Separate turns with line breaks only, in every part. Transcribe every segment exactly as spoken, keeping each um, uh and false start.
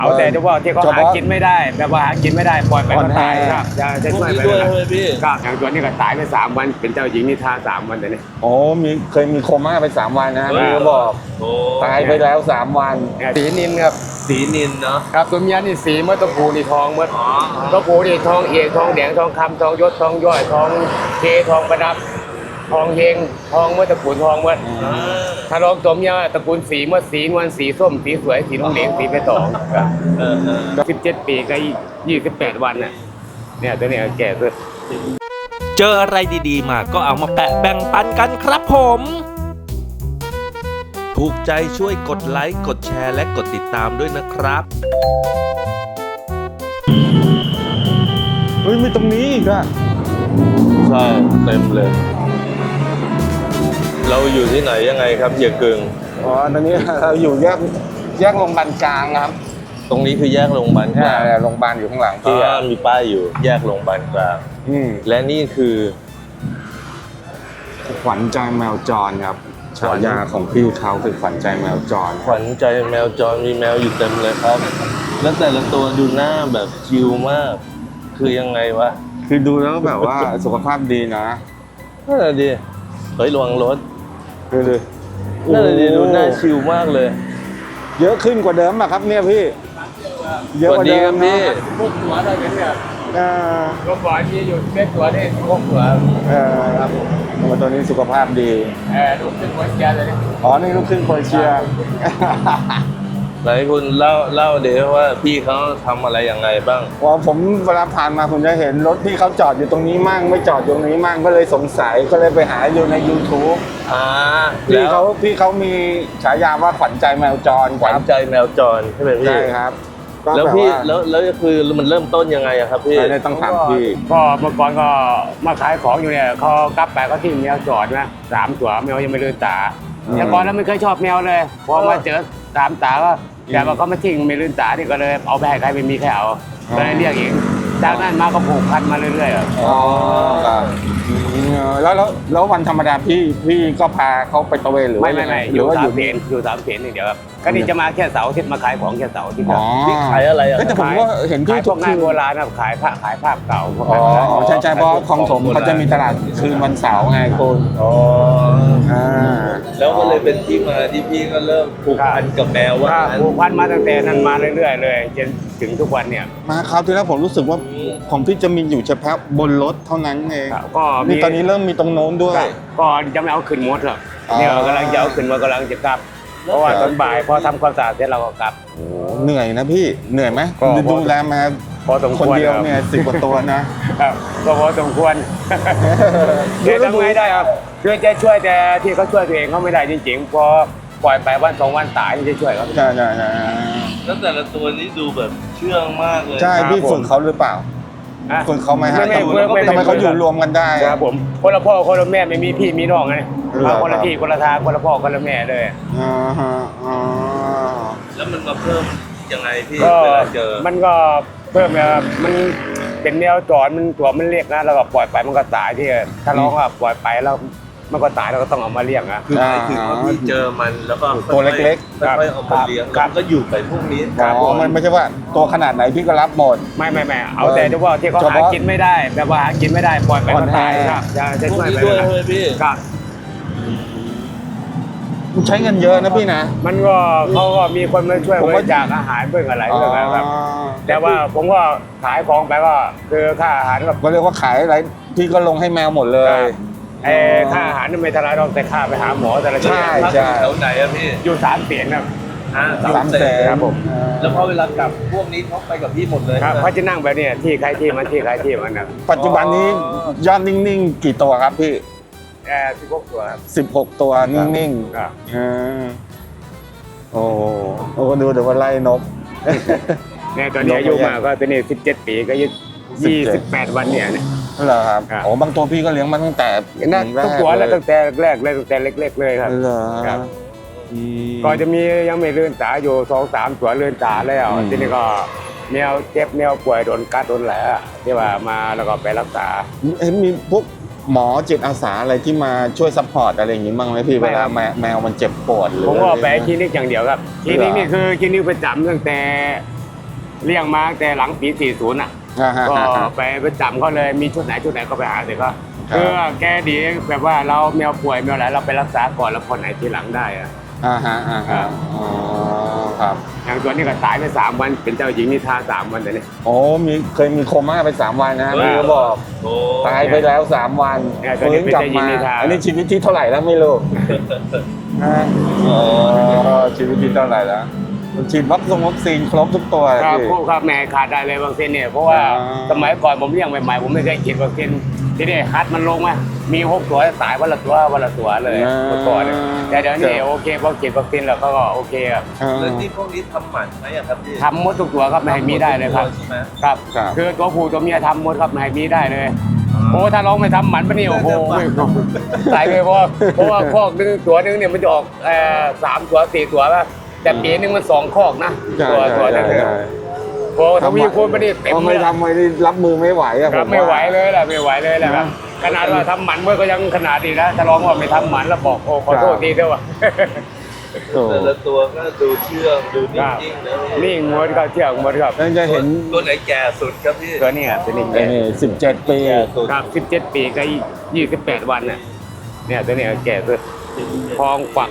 เอาแต่เฉพาะที่เขาหากินไม่ได้แบบว่าหากินไม่ได้ปล่อยไปก็ตายครับจะจะช่วยไปเลยครับอย่างตัวนี้ก็ตายไปสามวันเป็นเจ้าหญิงนิทราสามวันแต่นี่
โอ้มีเคยมีโคม่าไปสามวันนะพี่ก็บอกตายไปแล้วสามวัน
สีนินครับ
สีนินเนาะ
ครับตัวเมียนี่สีเมื่อตัวผู้นี่ทองเมื่อตัวผู้นี่ทองเอกทองแดงทองคำทองยศทองย่อยทองเททองประดับทองเฮงทองเมื่อตระกูลทองเมื่อถ้าลองตัวเมียตระกูลสีเมื่อสีนวลสีส้มสีสวยสีนุ่มเหลงสีเพชรทองครับสิบเจ็ดปีก็ยี่สิบแปดวันน่ะเนี่ยตัวนี้แก่สุด
เจออะไรดีๆมาก็เอามาแปะแบ่งปันกันครับผม ถูกใจช่วยกดไลค์กดแชร์และกดติดตามด้วยนะครับ
เฮ้ยมีตรงนี้อีกอะ
ใช่เต็มเลยเราอยู่ที่ไหนยังไงครับเฮียกึ่ง
อ๋อตอนนี้เราอยู่แยกแยกโรงพยาบาลกลางครับ
ตรงนี้คือแยกโรงพยาบาลกลาง
โรงพยาบาลอยู่ข้างหลังพี่
มีป้ายอยู่แยกโรงพยาบาลกลางและนี่คือ
ขวัญใจแมวจรครับฉายาของพี่เขาคือขวัญใจแมวจร
ขวัญใจแมวจรมีแมวอยู่เต็มเลยครับแล้วแต่ละตัวดูหน้าแบบชิลมากคือยังไงวะ
คือดูแล้วแบบว่าสุขภาพดีนะ
น่าจะดีเฮ้ยระวังรถ
ดูดิ
น่าจะดีดูหน้าชิลมากเลย
เยอะขึ้นกว่าเดิมอะครับเนี่ยพี่
เยอะกว่าเดิมพี่
พวกตัวอะไรเนี่ยตัวบ่อยที่อยู่เป็นตัวนี่พวกตัว
เออครับผมตัวนี้สุขภาพดี
เออลูกครึ่งโครเอเชียเลย
อ๋อนี่ลูกครึ่งโครเอเชีย
ไหนคุณเล่าเล่าเดี๋ยวว่าพี่เขาทำอะไรยังไงบ้าง
ว่าผมเวลาผ่านมาผมจะเห็นรถพี่เขาจอดอยู่ตรงนี้มั่งไม่จอดอยู่ตรงนี้มั่งก็เลยสงสัยก็เลยไปหาอยู่ใน YouTube
อ่า
พี่เขาพี่เขามีฉายาว่าขวัญใจแมวจร
ขวัญใจแมวจรใช่ไหมพี่
ใช่ครับ
แล้วพี่แล้วแล้วคือมันเริ่มต้นยังไงอะครับพี่
ไม่ต้องถามพี่
ก็เมื่อก่อนก็มาขายของอยู่เนี่ยเขากลับไปก็ทิ้งแมวจอดนะสามตัวแมวยังไม่ลืมตาแต่ก่อนแล้วไม่เคยชอบแมวเลยพอมาเจอสามตาก็แต่ว่าเขาไม่ทิ้งไม่ลืมตาที่ก็เลยเอาไปให้ใครไม่มีใครเอาก็เลยเรียกเองจากนั้นมาก็ผูกพันมาเรื่อยๆ
อ๋อครับแล้วแล้วแล้ววันธรรมดาพี่พี่ก็พาเขาไปตะเวนหรือ
ไม่ไม่ไม่อยู่สามเพนอยู่สามเพนนี่เดียวครับก็นี่จะมาแค่เสาร์อาทิตย์มาขายของแค่เสาร์อาทิตย์ครับ
พี่ขายอะไรอ่ะ
แต่ผมก็เห็นพี่
พวกงานโบราณนะขายผ้าขายภาพเก่า
อ๋อใช่ใช่เพราะคลองถมเขาจะมีตลาดคืนวันเสาร์ไงคุณ
อ๋ออ่าแล้วก็เลยเป็นที่มาที่พี่ก็เริ่มผูกพันกับแมวว่า
ผูกพันมาตั้งแต่นั้นมาเรื่อยๆเลยจนถึงทุกวันเนี่ย
มาคราวที่แล้วผมรู้สึกว่าของพี่จะมีอยู่เฉพาะบนรถเท่านั้นเองก็มีตอนนี้เริ่มมีตรงโน้นด้วย
ก็จะไม่เอาขึ้นมดหรอกเนี่ยกำลังจะเอาขึ้นมากำลังจะกลับเพราะว่าตอนบ่ายพอทำความสะอาดเสร็จเราก็กลับ
เหนื่อยนะพี่เหนื่อยไหมดูแลมา
พอสมควร
คนเดียวเนี่ยสิบกว่าตัวนะครับ
ก็พอสมควรจะทำไงได้ครับช่วยจะช่วยแต่ที่เขาช่วยตัวเองเขาไม่ได้จริงๆพอปล่อยไปวันสองวันตายจะช่วยเขา
ใช่ใช่ใช่
แล้วแต่ละตัวนี้ดูแบบเชื่องมากเลย
ใช่พี่ฝึกเขาหรือเปล่าฝึกเขาไหมฮะทำไมเขาอยู่รวมกันได้
ครับผมคนละพ่อคนละแม่ไม่มีพี่มีน้องไงคนละพี่คนละทางคนละพ่อคนละแม่เลย
อ๋อฮะอ๋อ
แล้วมันมาเพิ่มยังไงพี่เวลาเจอ
มันก็เพิ่มแบบมันเป็นแนวจอดมันตัวมันเรียกนะแล้วก็ปล่อยไปมันก็ตายที่ถ้าร้องอ่ะปล่อยไปแล้วมันก็ตายเราก็ต้องเอามาเลี้ยงนะ
คือหมายถึงว่าพี่เจอมันแล้วก็
ตัวเล็ก
ๆค่อยๆเอามาเลี้ยงก็อยู่ไปพวกนี้
อ๋อมันไม่ใช่ว่าตัวขนาดไหนพี่ก็รับหมด
ไม่ไม่ไม่เอาแต่เฉพาะที่เขาหากินไม่ได้แบบว่าหากินไม่ได้ปล่อยไปก็ตายครับจะจะช่วยไป
เลยพี่
ครับ
ใช้เงินเยอะนะพี่นะ
มันก็เขาก็มีคนมาช่วยบริจาคอาหารเพื่ออะไรเพื่ออะไรครับแต่ว่าผมก็ขายของไปก็คือค่าอาหาร
ก็เรียกว่าขายอะไรพี่ก็ลงให้แมวหมดเลย
เออค่าอาหารไม่เท่าไรหรอกแต่ค่าไปหาหมอแต่ละ
ใช่ใช่
แถวไหนอะพี่
อยู่สามเสียนครับ
สามแสน
ครับผม
แล้วพอเวลากลับพวกนี้เขาไปกับพี่หมดเลย
ครับเขาจะนั่งแบบนี้ที่ใครที่มันที่ใครที่มันนะ
ปัจจุบันนี้ยอดนิ่งๆกี่ตัวครับพี่
เออสิบหกตัวครับ
สิบหกตัวนิ่งๆครับโอ้โอ้ดูเดี๋ยวว่าไล่นก
เนี่ยตอนนี้อายุมาก็ตอนนี้สิบเจ็ดปีก็ยี่สิบแปดวันเนี่ยเนี่ย
เหรอครับโอ้บางตัวพี่ก็เลี้ยงมาตั้งแต่
นั่นทุกตัวแล้วตั้งแต่แรกเลยตั้งแต่เล็กๆเลยครับ
เหรอครับ
ก็จะมียังไม่เลื่อนตาอยู่สองสามตัวเลื่อนตาแล้วทีนี้ก็แมวเจ็บแมวป่วยโดนกัดโดนแหละที่ว่ามาแล้วก็ไปรักษา
เห็นมีพวกหมอจิตอาสาอะไรที่มาช่วยซัพพอร์ตอะไรอย่างนี้บ้างไหมพี่เวลาแมวมันเจ็บปวดหรือ
ผมก็ไปคลินิกอย่างเดียวครับคลินิกนี่คือคลินิกประจำตั้งแต่เลี้ยงมาตั้งแต่หลังปีสี่สิบอ่ะ
อ่าฮะ
ก็
อ่าฮะ
ไปประจำเขาเลยมีชุดไหนชุดไหนก็ไปหาเด็กก็
ครับ
คือแกดีแบบว่าเราแมวป่วยแมวอะไรเราไปรักษาก่อนแล้วคนไหนทีหลังได้อะ
อ่าฮะอ่า
ครั
ฮะ
บ
อ๋อครับ
อย่างตัวนี้ก็ตายไปสามวันเป็นเจ้าหญิงนิทราสามวันแต่นี่
โอ้มีเคยมีโคม่าไปสามวันนะ
เฮ้ย
พี่ก็บอก
โอ้
ตายไปแล้วสามวัน
เนี่ยตัวนี้
ฟื้นกลับมา
เป็นเจ้าหญิงนิทรา
อันนี้ชีวิตที่เท่าไหร่แล้วไม่รู้นะ
อ๋อ
อ๋อชีวิตที่เท่าไหร่แล้วฉีดวัคซีนวัคซีนครบทุกตัว
ครับ
พี่
ผู้ครับแม่ขาดได้เลยวัคซีนเนี่ยเพราะว่า
อ่า
สมัยก่อนผมเลี้ยงใหม่ๆผมไม่เคยฉีดวัคซีนที่นี่ฮัทมันลงมามีหกตัวตายวันละตัววันละตัวเลยเมื่อก่อนเนี่ยแต่เดี๋ยวนี้โอเคพอฉีดวัคซีนแล้วเขาก็โอเคครับ
อ่า
แล้วที่พวกนี้ทำหมันไหมอะครับพี่
ทำหมดทุกตัวครับไม่ให้มีได้เลยครับ
ใช่ไหม
ครับ
ครับ
คือตัวผู้ตัวเมียทำหมดครับไม่ให้มีได้เลยโอ้ถ้าลองไม่ทำหมันปะนี่โอ้โหตายเลยเพราะว่าเพราะว่าคอกนึงตัวนึงเนี่ยมันจะออกเอ่อสามตัวสี่ตัวป่ะแต่ปีนึงมันสองคอกนะ
ใช่
ตัว
ใช่
ตัวนั้น
ใช่
เนี่ย
ใช่
โอ้ทวีคูณปะนี่เต็ม
พอ
เล
ไม่
ย
ทำไม่ได้รับมือไม่ไหวอะ
ค
ผ
รับ
ม
ไม่ไหว
ว่า
เลยแหละไม่ไหวเลยแหละครับขนาดว่าทำหมันเมื่อก็ยังขนาดนี้นะถ้าลองว่าไม่ทำหมันแล้วบอกโอ้ขอโทษทีเถอะว่ะ
โอ้
แต่ละตัวก็ดูเชื่องดูนิ่งๆนะพี่
นี่งวดก็เที่ยวงวดครับ
นั่นจะเห็น
ตัวไหนแก่สุดครับพี่
ตัวนี้อ่ะตัวนี้
ไอ้นี่สิบเจ็ดปี
แก่สุด
ครับสิบเจ็ดปีก็ยี่สิบแปดวันน่ะเนี่ยตัวนี้แก่สุดทองฝัก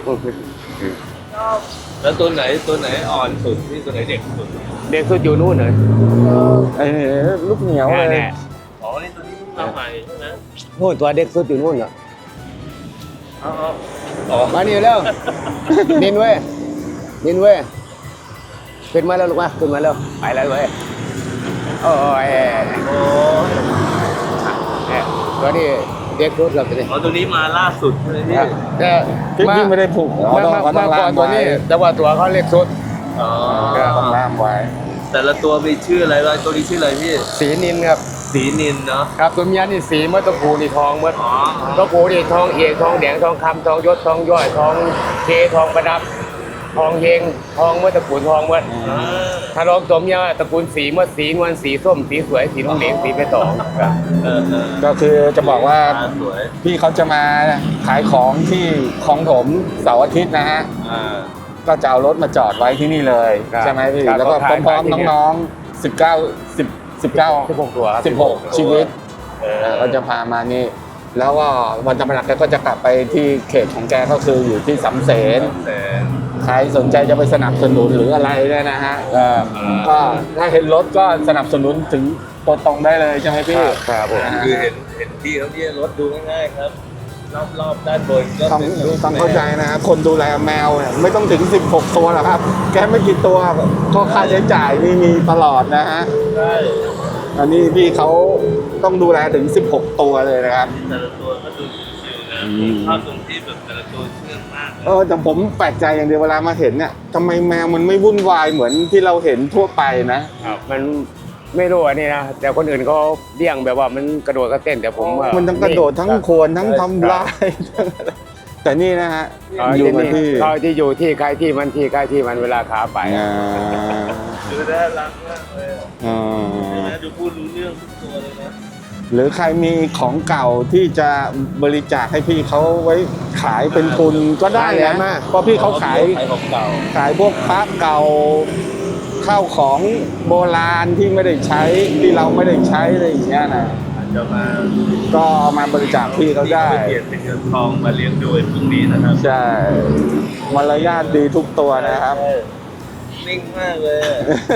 แล้วตัวไหนตัวไหนอ่อนสุดพี่ตัวไหนเด็กสุด
เด็กสุดอยู่นู่นเลย
ไอ้นี่ลูกเหนียวเลย
แน่
อ๋อนี่ตัวนี้เพิ่งมาใหม่ใช่ไหม
ๆนู่นตัวเด็กสุดอยู่นู่นเหรอ
อ๋ออ๋อ
มานี่แล้วนินเว้ยนินเว้ยขึ้นมาแล้วลูกมาขึ้นมาแล้วไปแล้วเว้ยโอ้ย
โอ้
เนี่ยตัวนี้เด็กสุดครับตัวนี้
อ๋อตัวนี้มาล่าสุดใช่ไหมพี่
ครับแต่
พี่พี่ไม่ได้ผูก
มา
ต้อง
มา
เขาต้
มา
อง
ก่
ล่า
อน
ม
ตัว
ไว้
นี้ แต่ว่าตัวเขาเล็กสุด
อ๋อ
ต้องล่ามไว้
แต่ละตัวมีชื่ออะไรบ้างตัวนี้ชื่ออะไรพี่
สีนินครับ
สีนินเนาะ
ครับตัวเมียนี่สีเมื่อตัวผู้นี่ทองเมื่อ
อ๋อ
ตัวผู้นี่ทองเอกทองแดงทองคำทองยศทองย่อยทองเคทองประดับ ทองเฮงทองเมื่อตระกูลทองเมื่อ
อ่า
ถ้าลองตัวเมียตระกูลสีเมื่อสีนวลสีส้มสีสวยสีน้ำเหลืองสีไปต่องครับ
เออเออ
ก็คือจะบอกว่า
ตสวย
พี่เขาจะมาขายของที่คลองถมเสาร์อาทิตย์นะฮะ
อ่า
ก็จะเอารถมาจอดไว้ที่นี่เลย
ครับ
ใช่ไหมพี่
ครับ
แล้วก็
ก็ขาย
พร้อม
ขายที่
ๆ
นี่
น้องๆ สิบเก้า สิบ สิบเก้า
สิบหกตัวครับ
สิบหกชีวิต
เออ
เออก็จะพามานี่ แล้วก็วันธรรมดาแกก็จะกลับไปที่เขตของแกก็คืออยู่ที่สำเสน
แต่
ใครสนใจจะไปสนับสนุนหรืออะไรเนี่ยนะฮะเออ
อ่า
ก็ถ้าเห็นรถก็สนับสนุนถึงตัวตรงได้เลยใช่ไหมพี่
ครับผม
นะฮะ
คือเห็นเห็นพี่เขาเนี่ยรถดูง่ายๆครับ รอบๆด้านบนก็
ต้อง
เป็นรูป
ต้องเข้าใจนะฮะคนดูแลแมวเนี่ยไม่ต้องถึง สิบหก ตัวหรอกครับ แกไม่กี่ตัวก็ค่าใช้จ่ายนี่มีตลอดนะฮะ
ใช่
อันนี้พี่เขาต้องดูแลถึง สิบหก ตัวเลยนะครับ
แต่ละตัวก็ดูชิวๆนะ
อืม
ชอบตรงที่แบบแต่ละตัวเชื่องมากเลย
เออแต่ผมแปลกใจอย่างเดียวเวลามาเห็นเนี่ยทำไมแมวมันไม่วุ่นวายเหมือนที่เราเห็นทั่วไปนะ
ครับมันไม่รู้อันนี้นะแต่คนอื่นเขาเลี้ยงแบบว่ามันกระโดดกระเต้นแต่ผมว่า
มันทั้งกระโดดทั้ง
ครับ
โคนทั้งทำลายทั้งอะไรแต่นี่นะฮะ
เขา
อยู่
ที่
มา
นี่
ที่
เขาที่อยู่ที่ใครที่มันที่ใครที่มันเวลาขาไป
อ่า
ดูน่ารักมากเลย
อ่า
ใช่ไหมดูพูดรู้เรื่องทุกตัวเลยนะ
หรือใครมีของเก่าที่จะบริจาคให้พี่เขาไว้ขายเป็นทุนก็ได้
ได้
นะ
มาก
เพราะพี่เขาขาย
ขายของเก่า
ขายพวกพระเก่าข้าวของโบราณที่ไม่ได้ใช้ที่เราไม่ได้ใช้อะไรอย่างเงี้ยนะ
อาจจะมา
ก็เอามาบริจาคพี่เขาได้
เปลี่ยนเป็นเงินทองมาเลี้ยงดูไอ้พวกนี้นะครับ
ใช่มารยาทดีทุกตัวนะครับ
นิ่งมากเลยอะ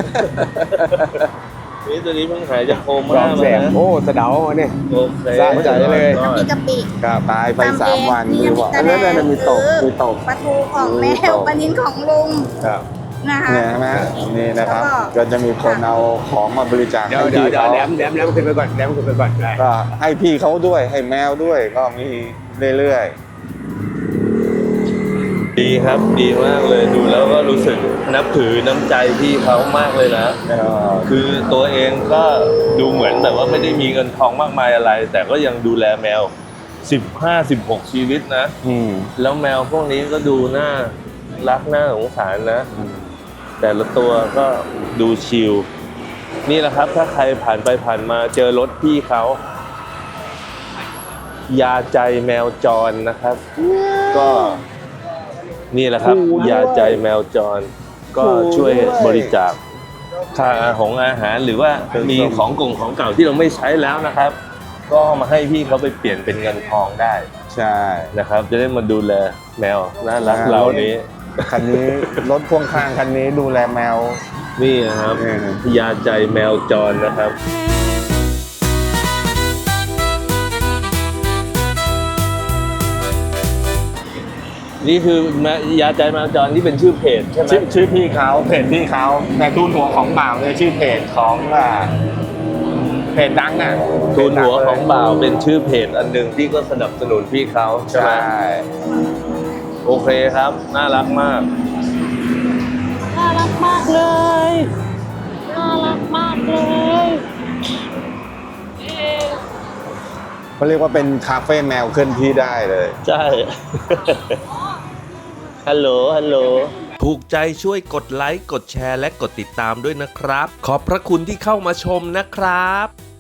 นี่ตัวนี้เพิ่งหายจากโค
ส
ม่า
อง
มา
แสน
นะ
โอ้สะเดาเนี่ย
โอเค
สร้างใจเลย
มีกะปิ
ครับตายไปสามวัน
มี
คือบอกอันนั้นน่ะมีตกมีตก
ปลาทูของแม่
มีตก
ปลานินของลุง
ครับ
นะคะ
เนี่ยใช่ไหมนี่นะครับ
แล้วก็
ก็จะมีคนเอาของมาบริจาค
เดี๋ยว
ให้
เดี๋ยว
พี่
เดี๋ยว
เขา
แหลมแหลมแหลมขึ้นไปก่อนแหลมขึ้นไปก่อนได้
ก็ให้พี่เขาด้วยให้แมวด้วยก็มีเรื่อย
ดีครับดีมากเลยดูแล้วก็รู้สึกนับถือน้ำใจพี่เขามากเลยนะ
ๆเอ่อ
คือตัวเองก็ดูเหมือนแบบว่าไม่ได้มีเงินทองมากมายอะไร แต่ก็ยังดูแลแมว สิบห้า สิบหก ชีวิตนะ
อืม
แล้วแมวพวกนี้ก็ดูน่ารักน่าสงสารนะ แต่ละตัวก็ดูชิลนี่แหละครับถ้าใครผ่านไปผ่านมาเจอรถพี่เขายาใจแมวจรนะครับ ก็นี่แหละครับ
ขู่ด้วย
ยาใจแมวจร ก็ช่วยบริจาคค่าของอาหารหรือว่ามีของกงของเก่าที่เราไม่ใช้แล้วนะครับ ก็เอามาให้พี่เขาไปเปลี่ยนเป็นเงินทองได้
ใช่
นะครับ จะได้มาดูแลแมวน่ารักเรานี้
คันนี้รถพ่วงข้างคันนี้ดูแลแมว
นี่นะครับ
เออ
พยาใจแมวจรนะครับ นี่คือแมวยาใจแมวจรที่เป็นชื่อเพจใช่ไหม
ชื่อชื่อพี่เขาเพจพี่เขาแต่ทูนหัวของบ่าวเนี่ยชื่อเพจของอ่าเพจดังอ่ะ
ทูนหัวของบ่าวเป็นชื่อเพจอันหนึ่งที่ก็สนับสนุนพี่เขาใช่ไหม
ใช่
โอเคครับ น่ารักมาก
น่ารักมากเลย น่ารักมากเลยเอ๊ะ
เขาเรียกว่าเป็นคาเฟ่แมวเคลื่อนที่ได้เลย
ใช่ ฮัลโหล ฮัลโหล
ถูกใจช่วยกดไลค์ กดแชร์และกดติดตามด้วยนะครับ ขอบพระคุณที่เข้ามาชมนะครับ